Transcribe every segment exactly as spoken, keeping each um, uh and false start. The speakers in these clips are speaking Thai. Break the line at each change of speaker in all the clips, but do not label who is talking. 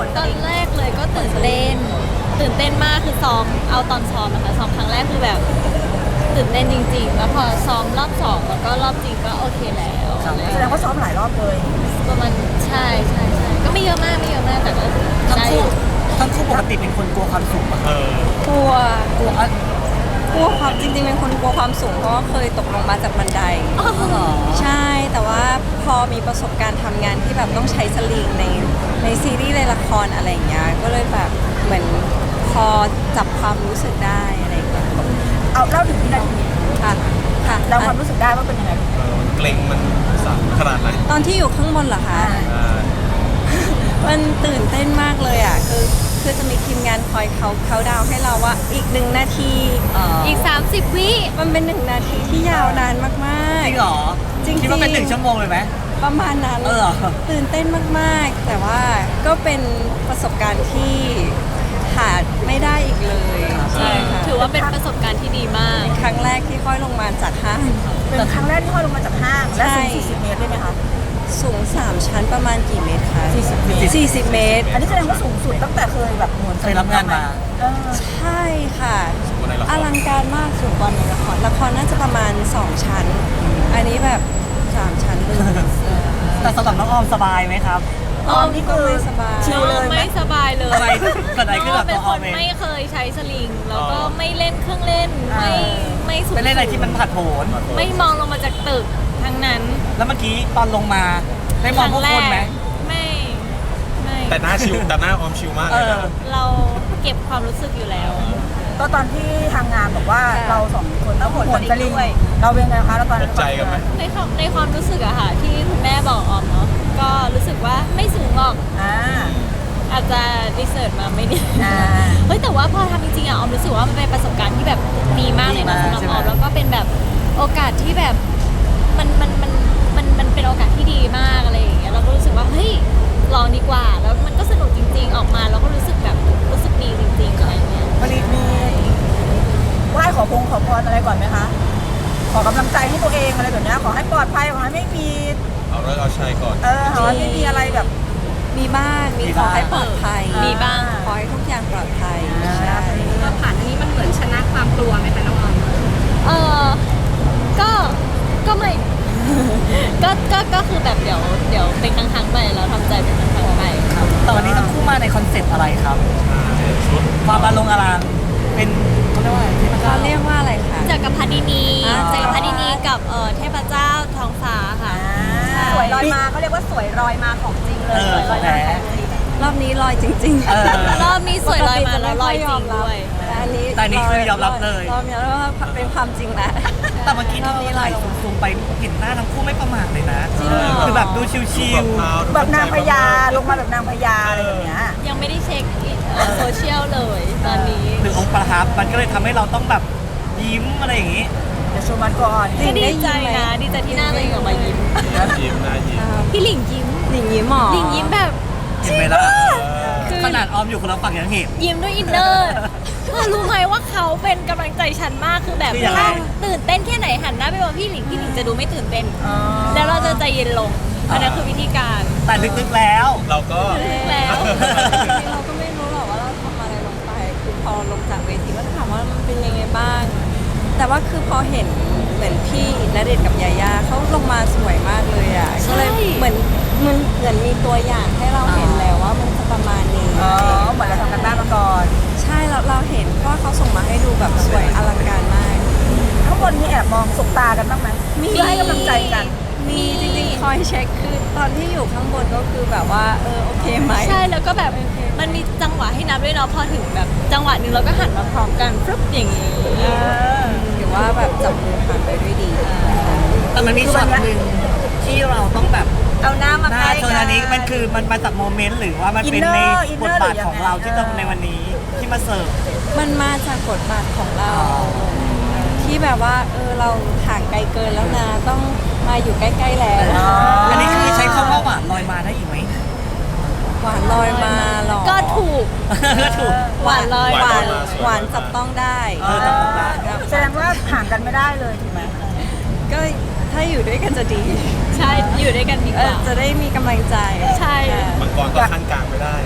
ตอนแรกเลยก็ตื่นเต้นตื่นเต้นมากคือซ้อมเอาตอนซ้อมนะคะซ้อมครั้งแรกคือแบบตื่นเต้นจริงๆแล้วพอซ้อมรอบสองแล้วก็รอบจริงก็โอเคแล้ว
แสดงว่าซ้อมหลายรอบเลย
ประมาณใช่ใช่ใช่ก็ไม่เยอะมากไม่เยอะมากแต่ก็
ทั้ง
ได้อ
คู่
ยู่
ทั้งคู่ปกติเป็นคนกลัวความสูงปะ
เออก
ลัว
กลัวอ่ะ
กลัวความจริงๆเป็นคนกลัวความสูงเพราะว่าเคยตกลงมาจากบันได
อ๋อ
หรอ
ใช่แต่ว่าพอมีประสบการณ์ทำงานที่แบบต้องใช้สลิงในในซีรีส์ในละครอะไรอย่างเงี้ยก็เลยแบบเหมือนพอจับความรู้สึกได้อะไรอย่างเงี้ย
เอาเล่าถึงวินาที
ค่ะค่ะ
เราความรู้สึกได้ว่าเป็นยังไง
เออมันเกรงมันสั่นขนาดไหน
ตอนที่อยู่ข้างบนเหรอคะ
อ่า
มันตื่นเต้นมากเลยอ่ะคือคือจะมีทีมงานคอยเขาเขาดาวให้เราว่าอีกหนึ่งนาที
อีกสามสิบวิ
มันเป็นหนึ่งนาทีที่ยาวนานมาก
จริงเหรอ
จริงๆ
คิดว่าเป็นหนึ่งชั่วโมงเลยไหม
ๆ ประมาณนั้น
เออเหรอ
ตื่นเต้นมากๆ แต่ว่าก็เป็นประสบการณ์ที่ขาดไม่ได้อีกเลยใช่ค่ะ
ถือว่าเป็นประสบการณ์ที่ดีมาก
ครั้งแรกที่ค่อยลงมาจากห้าง
เป็นครั้งแรกที่ห้อยลงมาจากห้างและสูง
ใช่
สี่สิบเมตรได้ไหมคะ
สูงสามชั้นประมาณกี่เมตรคะ
สี่สิบเมตร
สี่สิบเมตร
อันนี้แสดงว่าสูงสุดตั้งแต่เคยแบบหมุน
เคยรับงานมา
เออ
ใช่ค่ะ
คนในละค
อ
ร
ลังการมากสูงกว่าในละครละครน่าจะประมาณสองชั้น อันนี้แบบสามชั้นเลย
แต่สำหรับน้องออมสบายไหมครับ
ออมนี่คือ
ไม่สบาย
ชิลเลยไหม
ไม่สบายเลย
อะไรเกิดอะไรขึ้นกับ
เป็
ตั
น
ว
ค
ออม
น
เอง
ไม่เคยใช้สลิง แล้วก็ไม่เล่นเครื่องเล่น ไม่ไม่สูง
ไปเล่นอะไรที่มันผัดโผน
ไม่มองลงมาจากตึกทั้งนั้น
แล้วเมื่อกี้ตอนลงมาได้มองพวกคนไหม
ไม่ไม่
แต่หน้าชิวแต่หน้าออมชิวมาก
เอ
เลย
อ
นะ
เราเก็บความรู้สึกอยู่แล้ว
ก็ตอนที่ทางงานบอกว่า
ค่ะ
เราสองคนต้อง
ต้อง
ห
ห
มุ
น
น
ส
ส
ลิ
ลิ
ง
ง
ด้วย
เราเป็นไงคะแล้วตอน
ต
นั้น
กใจกันไหม
ในความในความรู้สึกอะค่ะที่คุณแม่บอกออมเนาะก็รู้สึกว่าไม่สูงหรอก
อ่า
อาจจะรีเสิร์ชมาไม่ดี
อ่า
เฮ้ยแต่ว่าพอทำจริงๆอะออมรู้สึกว่ามันเป็นประสบการณ์ที่แบบดีมากเลยนะ
ดี
สำ
มาก
หรับออม
ใช่ไหม
แล้วก็เป็นแบบโอกาสที่แบบมันมันมันมันมันเป็นโอกาสที่ดีมากอะไรอย่างเงี้ยเราก็รู้สึกว่าเฮ้ยลองดีกว่าแล้วมันก็สนุกจริง ๆ ออกมาเราก็รู้สึกแบบรู้สึกดีจริงๆอะไรอย่างเงี้ย
วันนี้มีไหว้ขอพงขอพรอะไรก่อนไหมคะ ขอกำลังใจให้ตัวเองอะไรแบบเนี้ยขอให้ปลอดภัยขอให้ไม่มี
เอาเลิกเอาชัยก่อน
เออขอให้ไม่มีอะไรแบบ
มีบ้างมี
มี
ขอ
บ้าง
ให้ปลอดภัย
มีบ้าง
ขอให้ทุกอย่างปลอดภัย
อ่า
ใช่
พอผ่านอันนี้มันเหมือนชนะความกลัวไหมคะน้องออม
เออก็ก็ไม่ ก็ก็ก็คือแบบเดี๋ยวเดี๋ยวเป็นครั้งๆไปเราทำใจเป็นครั้งๆไป
แต่วันนี้ทั้งคู่มาในคอนเซ็ปต์อะไรครับ
ชุด
ความอารมณ์อารามเป็นเขาเรียกว่าอะไรที่มัน
เราเรียกว่าอะไรคะ
จักรพรรดินี
อ่า
จักรพรรดินีกับเอ่อเทพเจ้าท้องฟ้าค่ะ
สวยลอยมาเขาเรียกว่าสวยลอยมาของจริงเลย
เออ
สวยลอย
แหม
มาของจริง
รอบนี้ลอยจริงๆ
เออ
รอบนี้สวยลอยมาแล้วลอยจริงด้วย
แต่อันนี้
แต่อันนี้คือยอมรับเลย
รอบนี้เราเป็นความจริงแล้ว
แต่เมื่อกี้
รอบ
เรา
นี้
ไหล
ลอย
ซูมๆไปเห็นหน้าทั้งคู่ไม่ประมาทเลยนะ
จริงเหรอ
คือแบบดูชิว
แบบนางพญาลงมาแบบนางพญาอะไรแบบเนี้ย
ยังไม่ได้เช็คเอ่อโซเชียลเลยตอนนี้
ๆหรือองค์ประทับมันก็เลยทำให้เราต้องแบบยิ้มอะไรอย่างงี้
เดี๋ยวชมมันก่อน
ก็ดีใจนะดีใจที่หน้าตัวเองออกมายิ้ม
หน้ายิ้มหน้ายิ้ม
พี่หลิงยิ้ม
หลิงยิ้มหมอ
หลิงยิ้มแบบ
เห็นไหมล่ะ
คือ
ขนาดออมอยู่คนละฝั่งยังเห็น
ยิ้มด้วยอินเนอร์เธอรู้ไหมว่าเขาเป็นกำลังใจฉันมากคือแบบ
คือยังไง
ถ้าตื่นเต้นแค่ไหนหันหน้าไปมองพี่หลิงพี่หลิงจะดูไม่ตื่นเต้น
อ๋อ
แล้วเราจะใจเย็นลงอันนั้นคือวิธีการ
แต่ลึกๆแล้ว
เราก็
แล้ว
เราก็ไม่รู้หรอกว่าเราทำอะไรลงไป คือพอลงจากเวทีก็ถามว่ามันเป็นยังไงบ้าง แต่ว่าคือพอเห็นเหมือนพี่ณเดชน์กับยาย่าเขาลงมาสวยมากเลยอ่ะ ก็เลยเหมือนมันเหมือนมีตัวอย่างให้เราเห็นแล้วว่ามันจะประมาณนี้
อ๋อเหมือนเราทำกันบ้านมาก่อน
ใช่เราเราเห็นเพราะว่าเขาส่งมาให้ดูแบบสวยอลังการมาก
ข้างบนมีแอบมองสบตากันบ้างไหมเพื่อให้กำลังใจกัน
มีจริงๆคอยเช็คคือตอนที่อยู่ข้างบนก็คือแบบว่าเออโอเคไหม
ใช่แล้วก็แบบมันมีจังหวะให้นับด้วยเนาะพอถึงแบบจังหวะหนึ่งเราก็หันมาพร้อมกันฟึบอย่างนี้
ถือว่าแบบจับมือผ่านไปด้วยดี
แต่มันมีช็อตหนึ่งที่เราต้องแบบ
เอาหน้ามา
หน้า
ใกล้
โซนอันนี้มันคือมันมาจากโมเมนต์หรือว่ามันเป็นใน
Inner Inner
บทบาท
หรือยังไง
ของเราที่ต้องในวันนี้ที่มาเสิร์ฟ
มันมาจากบทบาทของเรา ที่แบบว่าเออเราห่างไกลเกินแล้วนะต้องมาอยู่ใกล้ๆแล้ว
อ๋อ
อันนี้คือใช้คำว่าหวานลอยมาได้อีกไหม
หวานลอยมาหรอ
ก็ถูก
ก็ถูก
หวานลอย
หวาน
มาสวย
หวานจับต้องได้
เออจับต้องได้
แสดงว่าห่างกันไม่ได้เลยถูกไหม
ก็ถ้าอยู่ด้วยกันจะดี
ใช่อยู่ด้วยกันดี
เอก อ
ว่า
จะได้มีกำลังใจ
ใช่
ค่ะ
มังกรก็ขั้นกลางไม่ได้
อ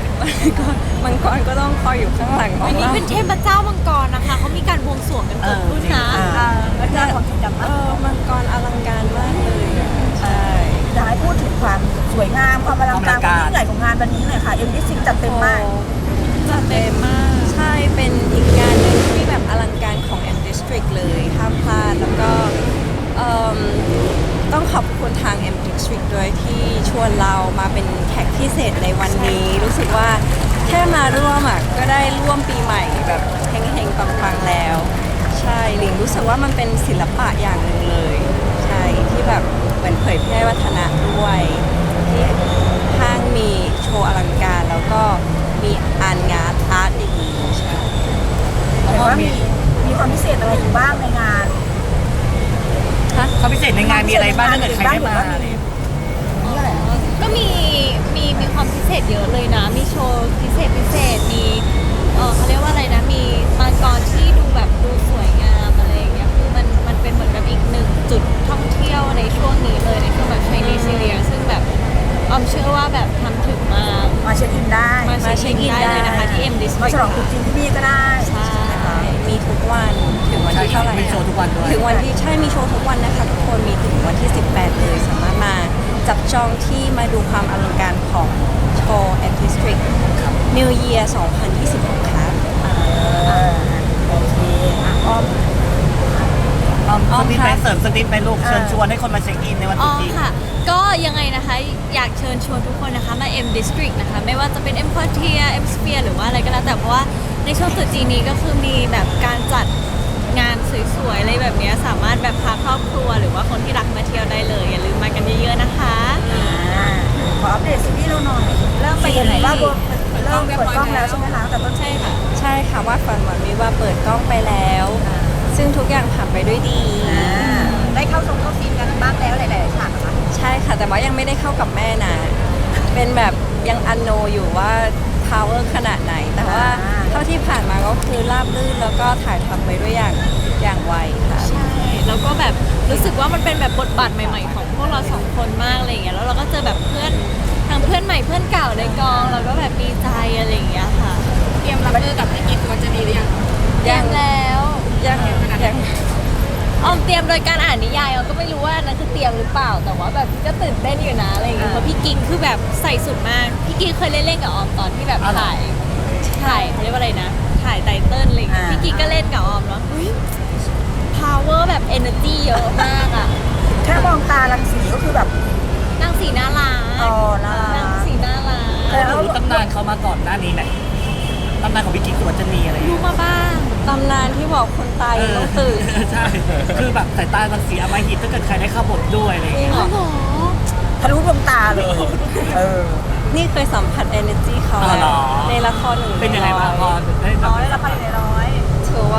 ก็มังกรก็ต้องคอยอยู่ข้างหลังขอ
อั
ง
นนี้
เรา
เป็นเทพเจ้ามังกรนะคะเขามีการบวงสรวงกันเกิดขึ้นนะ
อ่าแล้วจะความจริงจัง
เอ
มาก
อมังกรอลังการมากเลยอะใช่
อยากให้พูดถึงความสวยงามความอลังการความยิ่งใหญ่ของงานวันนี้หน่อยค่ะเอ็มดิซิงจัดเต็มมาก
จัดเต็มมาก ใช่ เป็นอีกงานหนึ่งที่แบบอลังการของ M District เลยห้ามพลาด แล้วก็เอิ่มต้องขอบคุณทาง M District ด้วยที่ชวนเรามาเป็นแขกพิเศษในวันนี้ รู้สึกว่าแค่มาร่วมอ่ะก็ได้ร่วมปีใหม่แบบเฮงๆปังๆแล้ว ใช่หลิงรู้สึกว่ามันเป็นศิลปะอย่างหนึ่งเลย ใช่ที่แบบเหมือนเผยแพร่วัฒนธรรมด้วยที่ห้างมีโชว์อลังการแล้วก็มีอ่านงานอาร์ตอย่างนี้ใช่
แต่ว่ามีมีความพิเศษอะไรอยู่บ้างในงาน
เขาพิเศษในงานมีอะไรบ้างถ้าเกิดใครได้มาอะไรอย่างเงี้ย
ก็มีมีมีความพิเศษเยอะเลยนะ มีโชว์พิเศษพิเศษ มีเออเขาเรียกว่าอะไรนะ มีมังกรที่ดูแบบดูสวยงามอะไรอย่างเงี้ย คือมันมันเป็นเหมือนแบบอีกหนึ่งจุดท่องเที่ยวในช่วงนี้เลยในช่วงแบบ Chinese New Year ซึ่งแบบออมเชื่อว่าแบบทำถึงมา
มาเช็คอินได้
มาเช็คอินได้เลยนะคะที่ M
มา
District
ฉลองตรุ๊จีนที่นี่ก็ได้
ใช่
มีทุกวันถึงวันที่เท่าไหร่
มีโชว์ทุกวันด้วย
ถึงวันที่ใช่มีโชว์ทุกวันนะคะทุกคนมีถึงวันที่ สิบแปด เลยสามารถมาจับจองที่มาดูความอลังการของโชว์ M District New Year สองพันยี่สิบหกครับ
อ่าโอเคอ่ะอ้อม
อ้อม
อ้อม
สติ๊ก
ค่ะ
ไปเสริมสติ๊กไปลูกเชิญชวนให้คนมาเช็คอินในวัน
อ๋
ตรุ
อ
ษจีน
ค่ะ ก็ยังไงนะคะ อยากเชิญชวนทุกคนนะคะมา M District นะคะ ไม่ว่าจะเป็น M Quartier M Sphere หรือว่าอะไรก็แล้วแต่เพราะว่าในช่วงตรุษจีนนี้ก็คือมีแบบการจัดงานสวยๆอะไรแบบเนี้ยสามารถแบบพาครอบครัวหรือว่าคนที่รักมาเที่ยวได้เลย อย่าลืมมากันเยอะๆนะคะ
อ่าขออัปเดตซีรีส์เราหน่อยเริ่มไปยังไหนบ้างเริ่มเปิดกล้องแล้วใช่ไหมคะแต่ต้น
ใช่ค่ะ
ใช่ค่ะว่าฝันหวานวิว่าเปิดกล้องไปแล้ว ซึ่งทุกอย่างผ่านไปด้วยดี
ได้เข้าทรงเข้าซีนกันบ้างแล้วหลายๆฉากนะคะ
ใช่ค่ะ แต่ว่ายังไม่ได้เข้ากับแม่นะ เป็นแบบยังอันโนอยู่ว่า power ขนาดไหน แต่ว่าเท่าที่ผ่านมาก็คือราบรื่นแล้วก็ถ่ายทำไปด้วยอย่างอย่างไวค่ะ
ใช่ แล้วก็แบบรู้สึกว่ามันเป็นแบบบทบาทใหม่ๆ ของพวกเราสองคนมากอะไรอย่างเงี้ย แล้วเราก็เจอแบบเพื่อนทั้งเพื่อนใหม่เพื่อนเก่าในกองแล้วก็แบบดีใจอะไรอย่างเงี้ยค่ะ
เตรียมรับมือกับพี่กิ๊กมันจะดีหรือยัง
ยังแล้ว
ยังยัง
ออมเตรียมโดยการอ่านนิยายออมก็ไม่รู้ว่านั่นคือเตรียมหรือเปล่า แต่ว่าแบบก็ตื่นเต้นอยู่นะอะไรอย่างเงี้ยเพราะพี่กิ๊กคือแบบใส่สุดมาก พี่กิ๊กเคยเล่นเล่นกับออมตอนที่แบบถ่ายถ่ายเขาเรียกว่าอะไรนะ ถ่ายไตเติ้ลอะไรอย่างเงี้ยพี่กิ๊กก็เล่นกับออมแล้วเฮ้ย power แบบ energy เยอะมากอ่ะ
แค่มองตาลังสีก็คือแบบ
นางสีน่ารัก
อ๋อน่ารัก
นางสีน่ารัก
เออ
เรารู้ตำนานเขามาก่อนหน้านี้ไหมตำนานของพี่กิ๊กสุวรรณีอะไรอย่าง
รู้
เงี้ย
มาบ้าง
ตำนานที่บอกคนตายยังต้องตื่น
ใช่ คือแบบสายตารังสีอำมหิตถ้าเกิดใครได้เข้าบทด้วยอะไรอย่างเงี้ย
อ๋อเหรอ
ทะลุดวงตาเลย เออ
นี่เคยสัมผัส energy เขา
อ๋อเหรอ
ในละครหนึ่ง
เป็นยังไงบ้างพอได้แบบ
ร้อยละพันในร้อย
ถือว่า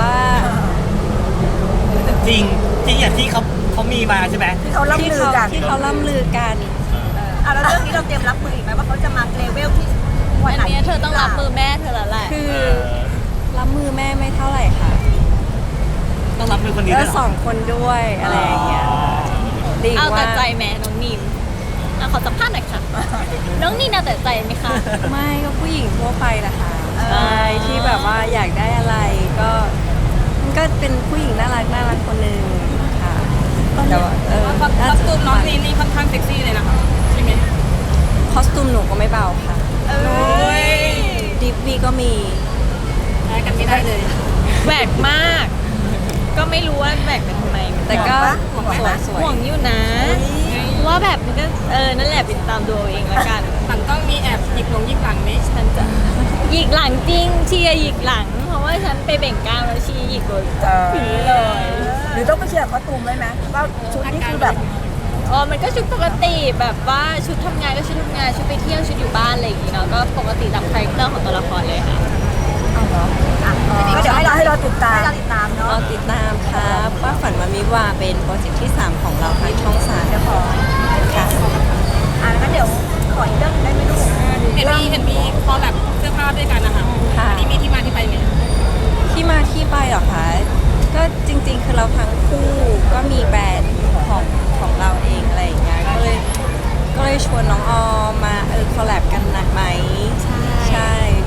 จริงจริงอย่างที่เขาเขามีมาใช่ไหม
ที่เขาล่ำ
ที่
ลือ
เขา
กัน
ที่เขาล่ำลือกัน
อ่ะแล้วเรื่องนี้เราเตรียมรับมืออีกไหมว่าเขาจะมาเลเวลที่วัน
อัน
ไหน
เนี้ยเธอต้องรับมือแม่เธอแล้วแหละ
คือรับมือแม่ไม่เท่าไหร่ค่ะ
ต้องรับมือคนนี้
แล้
ด้
ว
วยเหร
ส
อ
องคนด้วยอะไรอย่างเงี้ยดี
เอาแต่
ว่า
ใจแม่น้องนินอ่ะขอสัมภาษณ์หน่อยค่ะ น้องนินเอาแต่ใจไหมคะ
ไม่ก็ผู้หญิงทั่วไปแหละค่ะ
เออ
ใช่ที่แบบว่าอยากได้อะไรก็มันก็เป็นผู้หญิงน่ารักน่ารักคนหนึ่งค่ะแต่ว่าเออ
คอสตูมน้องนีนี่ค่อนข้างเซ็กซี่เลยนะคะใช่ไหม
คอสตูมหนูก็ไม่เบาค่ะ
เอ้ย
ดิฟวีก็มี
แพ้กันไม่ได้เลย
แหวกมาก ก็ไม่รู้ว่าแหวกเป็นทำไมเหมือน
แต่
กัน
ก็สวยสวย
ห่วงอยู่นะว่าแบบมันก็เออนั่นแหละไปตามดูเอาเองละกัน
หลังต้องมีแอบหยิกหลงหยิกหลังนี้
ฉันจะหยิกหลังจริงเชียร์หยิกหลัง เพราะว่าฉันไปเบ่งกล้ามแล้วชีหยิกเลย
เออ
ผีเลย
หรือต้องไปเชียร์คอสตูมไว้ไหมว่าชุดนี้คือแบบ
อ๋อมันก็ชุดปกติแบบว่าชุดทำงานก็ชุดทำงานชุดไปเที่ยวชุดอยู่บ้านอะไรอย่างงี้เนาะก็ปกติตามคาแรคเตอร์ของตัวละครเลยค่ะ
เอาเหรออ่ะก็เดี๋ยวให้เราให้เราติดตาม
ให้เราติดตาม
ร
เนาะ
อติดตามครับว่าฝันวันวิวาเป็นโปรเจกต์ที่ สาม ของเราทางช่องสาม
เดี๋ยวขอ
ค่ะ
อ่ะงั้นเดี๋ยวขออีกเรื่องหนึงได้ไหมลูกเห็นมีเห็นมีพอแบบเสื้อผ้าด้วยกันนะคะ
ค่ะ
อันนี้มีที่มาที่ไปไหม
ที่มาที่ไปเหรอคะก็จริงๆ คือเราทั้งคู่ก็มีแบรนด์ของของเราเองอะไรอย่างเงี้ยก็เลยก็เลยชวนน้องออมมาเออคอลแลบกันหนักไหม
ใช่
ใช่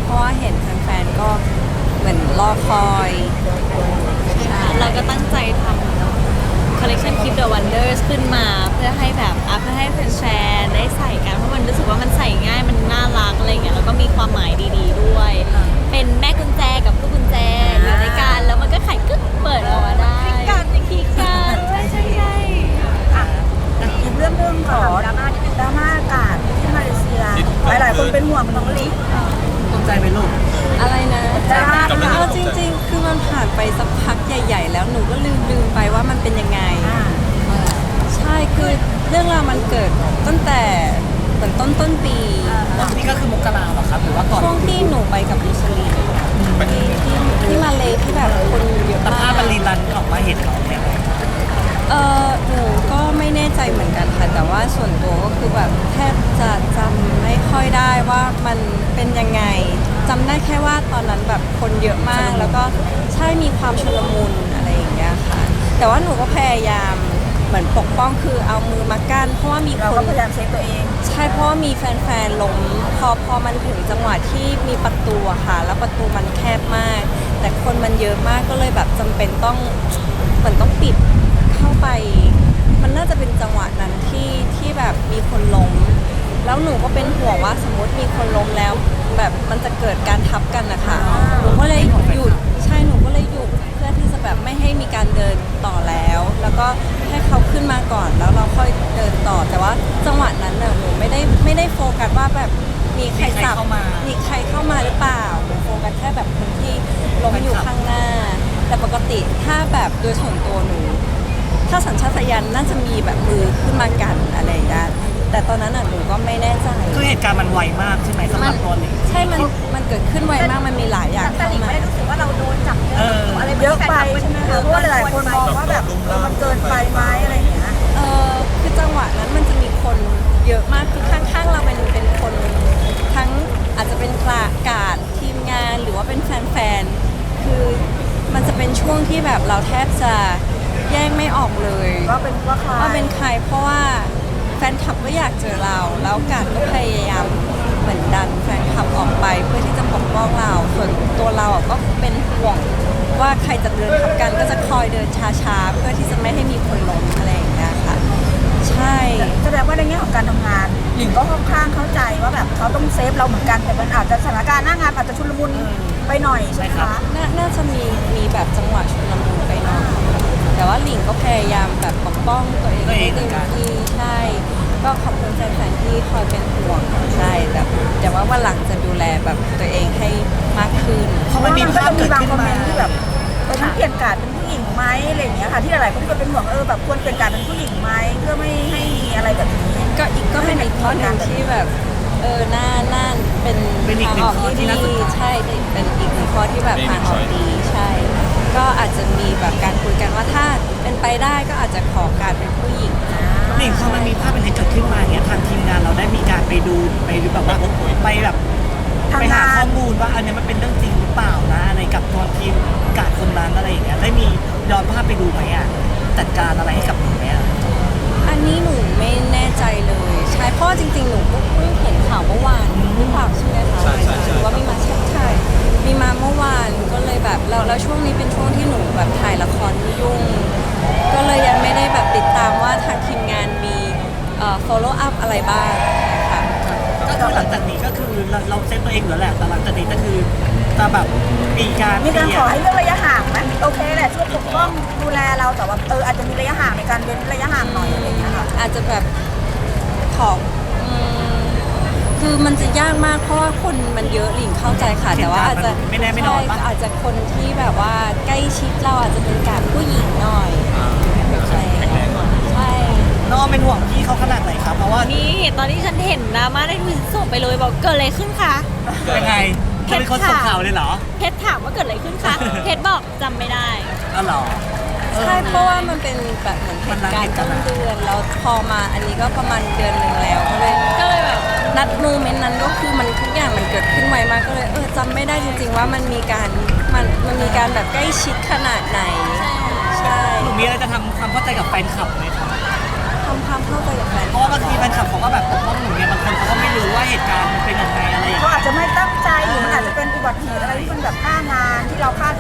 รอคอย
เราก็ตั้งใจทำคอลเล t ชัน Keep the Wonders ขึ้นมาเพื่อให้แบบอ่ะเพื่อให้แฟนๆได้ใส่กันเพราะมันรู้สึกว่ามันใส่ง่ายมันน่ารักอะไรเงี้ยแล้วก็มีความหมายดีๆด้วย เป็นแม่กุญแจกับลูกกุญแจอยู่ในกันแล้วมันก็ไขกึ๊กเปิดออกมาได้คลิกกันคลิกกันใช่ใช่ใช่
อีกเรื่องหนึงขอดราม่าที่เป็นดราม่าอากาศที่มาเลเซีย หลายๆคนเป็นห่วงน้องลิ
ตกใจไหมลูก
อะไรนะ
ดราม่า
ำลัง
เอาจริง ๆ คือมันผ่านไปสักพักใหญ่ ๆ แล้วหนูก็ลืมลืมไปว่ามันเป็นยังไง ใช่คือเรื่องราวมันเกิดตั้งแต่เหมือนต้นต้นปี
นี่ก็คือมกราเหรอครับหรือว่าก่อน
ช่วงที่หนูไปกับลิชลีที่ที่ที่มาเลที่แบบคนเยอะ
แต่
มา
ภาพ
ก
มันรีรันออกมาเห็นเราเนี่ย
เออหนูก็ไม่แน่ใจเหมือนกันค่ะ แต่ว่าส่วนตัวก็คือแบบแทบจะจำไม่ค่อยได้ว่ามันเป็นยังไงจำได้แค่ว่าตอนนั้นแบบคนเยอะมาก แล้วก็ใช่มีความชุลมุนอะไรอย่างเงี้ยค่ะ แต่ว่าหนูก็พยายามเหมือนปกป้องคือเอามือมากั้นเพราะว่ามี
เรา
ค
ก็
น
พยายามเซฟตัวเอง
ใช่เพราะว่ามีแฟนๆล้มพอพอมันถึงจังหวะที่มีประตูอะค่ะ แล้วประตูมันแคบมาก แต่คนมันเยอะมากก็เลยแบบจำเป็นต้องเหมือนต้องปิดเข้าไป มันน่าจะเป็นจังหวะนั้นที่ที่แบบมีคนล้ม แล้วหนูก็เป็นห่วงว่าสมมติมีคนล้มแล้ว แบบมันจะเกิดการทับกันนะคะหนูก็เลยหยุดใช่หนูก็เลยหยุดเพื่อที่จะแบบไม่ให้มีการเดินต่อแล้ว แล้วก็ให้เขาขึ้นมาก่อนแล้วเราค่อยเดินต่อ แต่ว่าจังหวะนั้นน่ะหนูไม่ได้ไม่ได้โฟกัสว่าแบบมีใครสับมีใครเข้ามาหรือเปล่าหนูโฟกัสแค่แบบคนที่ล้มอยู่ข้างหน้า แต่ปกติถ้าแบบโดยส่วนตัวหนู ถ้าสัญชาตญาณน่าจะมีแบบมือขึ้นมากันอะไรอย่างเงี้ยแต่ตอนนั้นน่ะหนูก็ไม่แน่ใจ
คือเหตุการณ์มันไวมากใช่ไหมสำหรับตัวนี้
ใช่ มัน มันเกิดขึ้นไวมาก มันมีหลายอย่าง
แต่
เข้า
หลิง
มา
ไม่ได้รู้สึกว่าเราโดนจับ
เออ
อะไร
เยอะไปใช่ไหมคะเพราะว่าหลายๆคนมองว่าแบบเออมันเกินไปไหมอะไรอย่างเงี้ย
เออคือจังหวะนั้นมันจะมีคนเยอะมาก คือข้างๆเราเป็นเป็นคนทั้งอาจจะเป็นกลากาดทีมงานหรือว่าเป็นแฟนๆ คือมันจะเป็นช่วงที่แบบเราแทบจะแยกไม่ออกเลย
ว่าเป็นว่าใคร
ว่าเป็นใครเพราะว่าแฟนคลับก็อยากเจอเรา แล้วกาดก็พยายามเหมือนดันแฟนคลับออกไปเพื่อที่จะปกป้องเรา ส่วนตัวเราอ่ะก็เป็นห่วงว่าใครจะเดินทับกันก็จะคอยเดินช้าๆ เพื่อที่จะไม่ให้มีคนล้มอะไรอย่างเงี้ยค่ะ ใช่
แสดงว่าในแง่ของการทำงานหลิงก็ค่อนข้างเข้าใจว่าแบบเขาต้องเซฟเราเหมือนกันแต่มันอาจจะสถานการณ์หน้างานอาจจะชุลมุนไปหน่อยใช่ไหมคะ
นาน่าจะมีมีแบบจังหวะชุลมุนไปหน่อยแต่ว่าหลิงก็พยายามแบบปกป้องตัวเอง
ตัวเอง
ให้
เหมื
เต็
อน
ม
กัน
ที่ใช่ ก็ขอบคุณแฟนๆที่คอยเป็นห่วงใช่แต่แต่ว่าวันหลังจะดูแลแบบตัวเองให้มากขึ้น
เพราะมันมีภาพ
ก็
เกิ
จะ
ด
มีบาง
ขึ้น
คอมเม
มาน
ต์ที่แบบเออต้องเปลี่ยนการดเป็นผู้หญิงไหมอะไรอย่างเงี้ยค่ะที่หลายๆคนก็เป็นห่วงเออแบบควรเปลี่ยนการดเป็นผู้หญิงไหมเพื่อไม่ให้มีอะไรแบบนี้
ก็อีกก็เป็นอีกข้อหนึ่งที่แบบเออน่าน่าเป็น
เป็นอีก
ทาง
หนึ่
อง อก
ข้อที่
ที่
น่าสน
ดี
ใจ
ใช่เป็นอีกหนึ่งข้อที่แบบทางออกดีใช่ ก็อาจจะมีแบบการคุยกันว่าถ้าเป็นไปได้ก็อาจจะขอการเป็นผู้หญิง
หลิงพอมันมีภาพเป็นนี้เกิดขึ้นมาเนี่ยทางทีมงานเราได้มีการไปดูไปดูแบบว่าไปแบบไปหาข้อมูลว่าอันเนี้ยมันเป็นเรื่องจริงหรือเปล่านะอะไรกับตัวทีมกาดคนนั้นอะไรอย่างเงี้ยได้มีย้อนภาพไปดูไหมอ่ะจัดการอะไรให้กับหนูไหมอ่ะ
อันนี้หนูไม่แน่ใจเลยใช่เพราะว่าจริงๆ หนูก็เพิ่งเห็นข่าวเมื่อวานหรือเปล่าใช่ไหมคะ
ใช่ใช่ใช่
หรือว่ามีมาใช่ใช่มีมาเมื่อวานก็เลยแบบแล้วแล้วช่วงนี้เป็นช่วงที่หนูแบบถ่ายละครยุ่ง ก็เลยยังไม่ได้แบบติดตามว่าทางทีมงานมีเอ่อ follow up อะไรบ้างค่ะ
ก็คือหลังจากนี้ก็คือเราเราเซฟตัวเองอยู่แล้วแหละแต่หลังจากนี้ก็คือจะแบบมีการ
มีการ
เปลี่ย
ขอน ให้เรื่องระยะห่างไหมโอเคแหละช่วยปกป้องดูแลเราแต่ว่าเอออาจจะมีระยะห่างในการเว้นระยะห่างหน่อยอะไรอย่างเงี้ยค่ะ
อาจจะแบบขออืมคือมันจะยากมากเพราะว่าคนมันเยอะหลิงเข้าใจค่ะ แต่ว่าอาจจะ
ไม่แน่ไม่นอนปะ
ใช่อาจจะคนที่แบบว่าใกล้ชิดเราอาจจะเป็นการผู้หญิงหน่อยใช่ใช่
น้องเป็นห่วงพี่เขาขนาดไหนครับเพราะว่า
นี่ตอนที่ฉันเห็นดราม่าได้ทวิตส่งไปเลยบอกเกิดอะไรขึ้นคะ
ยังไงเธอเป็นคนส่งข่าวเลยเหรอ
เพชรถามว่าเกิดอะไรขึ้นคะเพชรบอกจำไม่ได้
อ๋อเหรอ
ใช่เพราะว่ามันเป็นแบบเหมือนเหตุการณ์ต้นเดือนแล้วพอมาอันนี้ก็ประมาณเดือนหนึ่งแล้วก็เลย
ก็เลยแบบ
นัดโมเมนต์นั้นก็คือมันทุกอย่างมันเกิดขึ้นไวมากก็เลยเออจำไม่ได้จริง ๆ ว่ามันมีการมันมันมีการแบบใกล้ชิดขนาดไหนใช่
หนูมีอะไรจะทำความเข้าใจกับแฟนคลับไหมครับ
ทำความเข้าใจกับแฟน
เพราะว่าบางทีแฟนคลับเขาก็แบบปกป้องหนูเนี่ยบางคนเขาก็ไม่รู้ว่าเหตุการณ์มันเป็นยังไงอะไรอย่าง
เขา
เงี้ย
อาจจะไม่ตั้งใจหรือมันอาจจะเป็นอุบัติเหตุอะไรที่มันแบบหน้างานที่เราคาด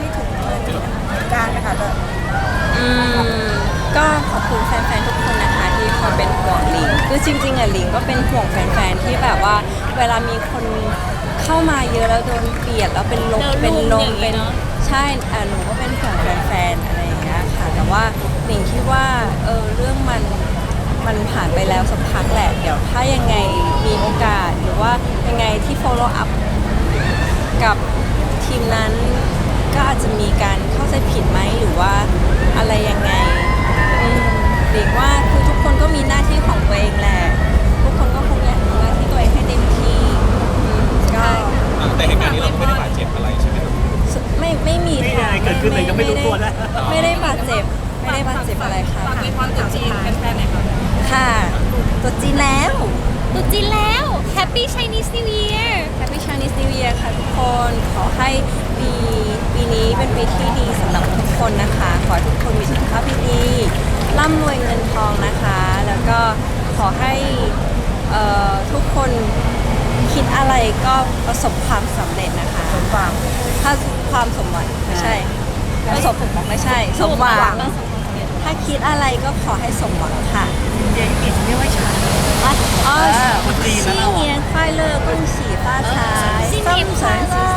ก็ขอบคุณแฟนๆทุกคนนะคะที่คอยเป็นห่วงหลิงคือจริงๆอ่ะหลิงก็เป็นห่วงแฟนๆที่แบบว่า เวลามีคนเข้ามาเยอะแล้วโดนเบียดแล้วเป็นลม
แล้ว
เป็นล
ลุ
ม
มอย่างงี้
เป็น
เนอะ
ใช่อ่ะหนูก็เป็นห่วงแฟนๆอะไรอย่างเงี้ยค่ะแต่ว่าหลิงคิดว่าเออเรื่องมันมันผ่านไปแล้วสักพักแหละเดี๋ยวถ้ายังไงมีโอกาสหรือว่ายังไงที่ follow up กับทีมนั้นก็อาจจะมีการเข้าใจผิดไหมหรือว่าอะไรยังไงอืมหรือว่าคือทุกคนก็มีหน้าที่ของตัวเองแหละทุกคนก็คงอยากทำหน้าที่ตัวเองให้เต็มที่อืมก็
แต่เหตุการณ์นี้เราไม่ได้บาดเจ็บอะไรใช่ไหมครับ
ไม่ไม่มี
ไม่มี
ค่ะ
อะไรเกิดขึ้นเลยยังไม่รู้ตัวนะ
ไม่ได้บาดเจ็บไม่ได้บาดเจ็บอะไรค่ะ
ฝากมีความจุดจีนแฟนๆหน่อยค่ะ
ค่ะตัวจีนแล้ว
ตุ๊จีนแล้ว Happy Chinese New Year
Happy Chinese New Year ค่ะทุกคน ขอให้ปีปีนี้เป็นปีที่ดีสำหรับทุกคนนะคะ ขอให้ทุกคนมีสุขภาพที่ดีร่ำรวยเงินทองนะคะ แล้วก็ขอให้เอ่อทุกคนคิดอะไรก็ประสบความสำเร็จนะคะ
สมหวัง
ถ้าความสมหวังไม่ใช่ประสบไม่ใช่ สมหวัง ถ้าคิดอะไรก็ขอให้สมหวังค่ะ
เย็นกินไม่ไหวฉัน
อ๋อ
เออคนจีนนะเราอะ
新年快乐恭喜发财
新年快乐